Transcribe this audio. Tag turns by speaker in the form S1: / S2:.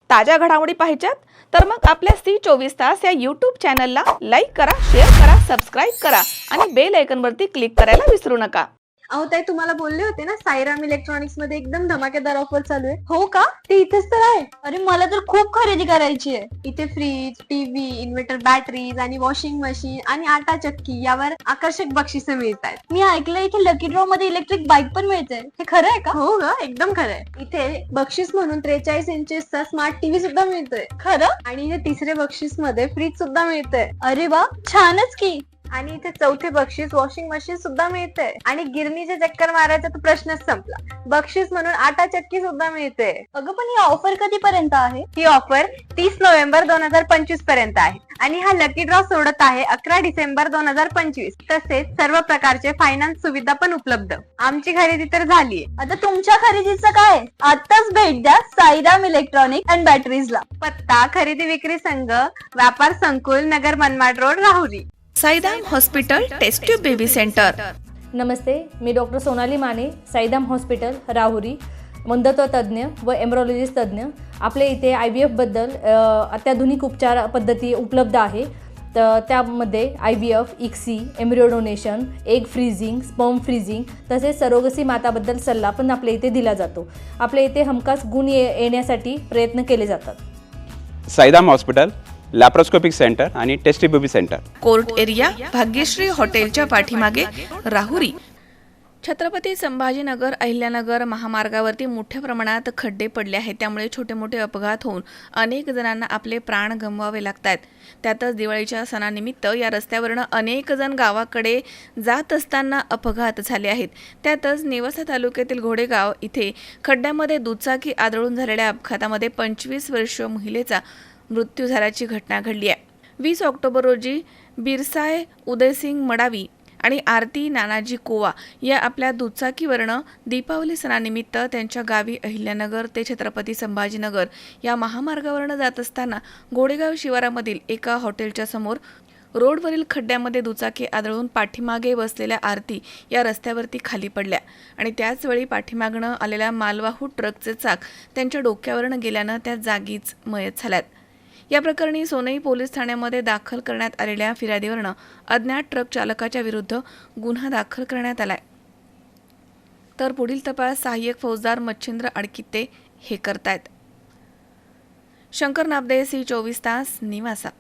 S1: ताज्या घडामोडी पाहिजेत तर मग आपल्या C24 या यूट्यूब चॅनलला लाईक करा, शेअर करा, सबस्क्राईब करा आणि बेल आयकॉनवरती क्लिक करायला विसरू नका.
S2: अहो ताई, तुम्हाला बोलले होते ना साईराम इलेक्ट्रॉनिक्स मध्ये एकदम धमाकेदार ऑफर चालू आहे. हो का? ते इथेच तर आहे.
S3: अरे मला तर खूप खरेदी करायची आहे.
S2: इथे फ्रीज, टीव्ही, इन्व्हर्टर बॅटरीज आणि वॉशिंग मशीन आणि आटा चक्की यावर आकर्षक बक्षिसे मिळतात.
S3: मी ऐकलं इथे लकी ड्रॉ मध्ये इलेक्ट्रिक बाईक पण मिळते. हे खरं आहे का?
S2: हो ग, एकदम खरं आहे. इथे बक्षीस म्हणून 43 इंचेसचा स्मार्ट टीव्ही सुद्धा मिळतोय.
S3: खरं?
S2: आणि इथे तिसरे बक्षीस मध्ये फ्रीज सुद्धा मिळतंय.
S3: अरे वा, छानच की.
S2: आणि इथे चौथे बक्षीस वॉशिंग मशीन सुद्धा मिळते. आणि गिरणीचे चक्कर मारायचा तर प्रश्नच संपला. बक्षीस म्हणून आटा चक्की सुद्धा मिळते.
S3: अगं पण ही ऑफर कधीपर्यंत आहे?
S2: ही ऑफर 30 नोव्हेंबर 2025 पर्यंत आहे. आणि हा लकी ड्रॉ सोडत आहे 11 डिसेंबर 2025. तसेच सर्व प्रकारचे फायनान्स सुविधा पण उपलब्ध. आमची खरेदी तर झालीये.
S3: आता तुमच्या खरेदीचं काय? आताच भेट द्या साईराम इलेक्ट्रॉनिक अँड बॅटरीजला.
S2: पत्ता खरेदी विक्री संघ, व्यापार संकुल, Nagar Manmad road, Rahuri.
S1: Saidam hospital test tube baby centre.
S4: नमस्ते, मी डॉक्टर सोनाली माने, साईदाम हॉस्पिटल राहुरी, मंदत्व तज्ज्ञ व एम्ब्रॉलॉजिस्ट तज्ज्ञ. आपल्या इथे IVF-बद्दल अत्याधुनिक उपचार पद्धती उपलब्ध आहे. तर त्यामध्ये IVF, ICSI, embryo donation, egg freezing, sperm freezing तसेच सरोगसी माताबद्दल सल्ला पण आपल्या इथे दिला जातो. आपल्या इथे हमखास गुण येण्यासाठी प्रयत्न केले जातात.
S5: साईदाम हॉस्पिटल, लॅप्रोस्कोपिक सेंटर आणि testy baby centre.
S1: Court area, Bhagyashree हॉटेलच्या पाठीमागे, राहुरी. छत्रपती संभाजीनगर अहिल्यानगर महामार्गावरती मोठ्या प्रमाणात खड्डे पडले आहेत. त्यामुळे छोटे मोठे अपघात होऊन अनेक जणांना आपले प्राण गमवावे लागतात. त्यातच दिवाळीच्या सणानिमित्त या रस्त्यावरनं अनेक जण गावाकडे जात असताना अपघात झाले आहेत. त्यातच नेवासा तालुक्यातील घोडेगाव इथे खड्ड्यामध्ये दुचाकी आदळून झालेल्या अपघातामध्ये 25 वर्षीय महिलेचा मृत्यू झाल्याची घटना घडली आहे. 20 ऑक्टोबर रोजी बिरसाय उदयसिंग मडावी आणि आरती नानाजी कोवा या आपल्या दुचाकीवरनं दीपावली सणानिमित्त त्यांच्या गावी अहिल्यानगर ते छत्रपती संभाजीनगर या महामार्गावरनं जात असताना घोडेगाव शिवारामधील एका हॉटेलच्या समोर रोडवरील खड्ड्यामध्ये दुचाकी आदळून पाठीमागे बसलेल्या आरती या रस्त्यावरती खाली पडल्या आणि त्याचवेळी पाठीमागणं आलेल्या मालवाहू ट्रकचे चाक त्यांच्या डोक्यावरनं गेल्यानं त्या जागीच मयत झाल्यात. या प्रकरणी सोनई पोलीस ठाण्यामध्ये दाखल करण्यात आलेल्या फिर्यादीवरनं अज्ञात ट्रक चालकाच्या विरुद्ध गुन्हा दाखल करण्यात आलाय. तर पुढील तपास सहाय्यक फौजदार मच्छिंद्र अडकिते हे करतायत. शंकर नाबदे, C24 निवासा.